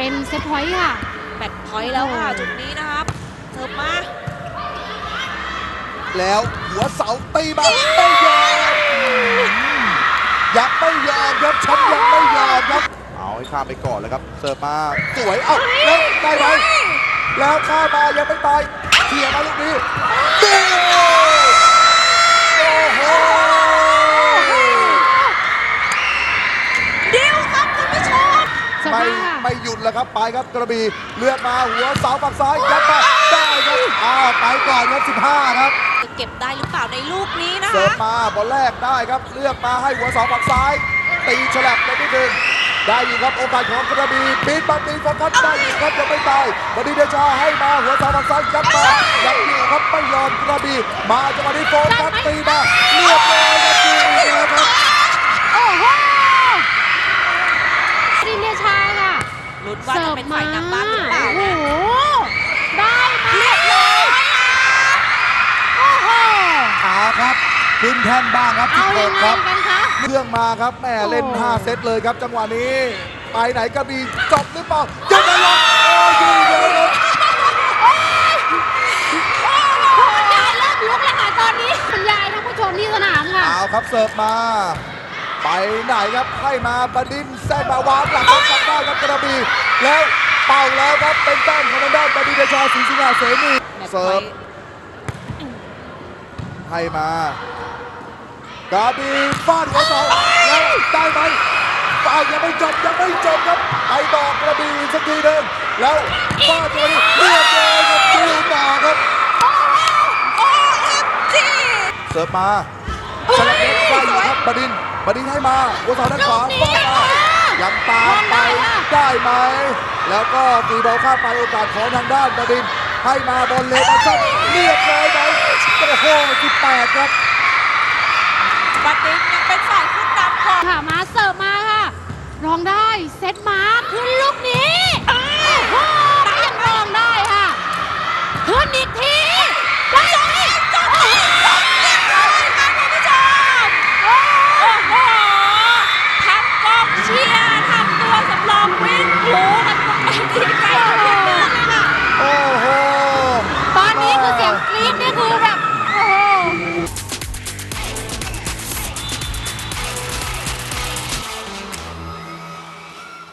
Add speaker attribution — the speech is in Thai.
Speaker 1: เป็นเซตพอยต์ค่ะ
Speaker 2: แมตช์พอยต์แล้วค่ะจุดนี้นะครับเสิร์ฟมา
Speaker 3: แล้วหัวเสาตีมาไม่ยอมยังไม่ยอมครับฉันยังไม่ยอมครับเอาให้ข้ามไปก่อนเลยครับเสิร์ฟมาสวยเอ้าแล้วได้ไหมแล้วข้ามมายังไม่ตายเขี่ยมาลูกนี้โอ้โห
Speaker 2: ดิวครับคุณผู้ชม
Speaker 3: ไม่หยุดแล้วครับไปครับกระบี่เลือกมาหัวเสาฝั่งซ้ายยัดมาได้ครับไปก่อนครับ15ครับ
Speaker 2: เก็บได้หรือเปล่าในลูกนี้นะคะ
Speaker 3: เสิร์ฟมาบอลแรกได้ครับเลือกมาให้หัวเสาฝั่งซ้ายตีฉลับไปนิดนึงได้อยู่ครับโอกาสของกระบี่ปีนมาตีโฟกัสได้อยู่ครับยังไม่ตายบดีเดชาให้มาหัวเสาฝั่งซ้ายยัดมายังอยู่ครับไม่ยอมกระบี่มาจังหวะนี้โฟกัสตีมาเรียบร้อยครับดีครับ
Speaker 1: โอ้โหดิเดชาค่ะ
Speaker 2: ลุ้นว่าจะเป็นฝ่ายนำบ้างหรือเปล่านะ
Speaker 1: ได้มาเรียบร้อยโอ้โห
Speaker 3: ครับขึ้นแท่นบ้างครับ
Speaker 1: เอายังไงกันคะ
Speaker 3: เครื่องมาครับแม่เล่น5เซตเลยครับจังหวะนี้ไปไหนก็มีจบหรือเปล่าจะไปลงโอ้ยเยอะเลย
Speaker 1: คุณยายเริ่มลุกแล้วค่ะตอนนี้คุณยายทั้งผู้ชมที่สนามค่ะ
Speaker 3: เอาครับเสิร์ฟมาไปไหนครับให้มาบดินแซงมาวางหลังกลับได้ครับกระบี่แล้วเป่าแล้วครับเป็นแต้มของทางด้านบดินเดชาศรีสิงหาเสนีเสิร์ฟให้มากระบี่ฟาดหัวเสาแล้วได้ไหมยังไม่จบครับไปต่อกระบี่สักทีหนึ่งแล้วฟาดตัวนี้เรียบร้อยครับดิวต่อครับเสิร์ฟมาสลับเล็กได้อยู่ครับบดินให้มาหัวเสาด้านขวาฟาดมายังตามไปได้ไหมแล้วก็ตีบอลข้ามไปโอกาสของทางด้านบดินให้มาบอลเล็กมาเรียบร้อยไหมโอ้โห18ครับ
Speaker 2: บดิน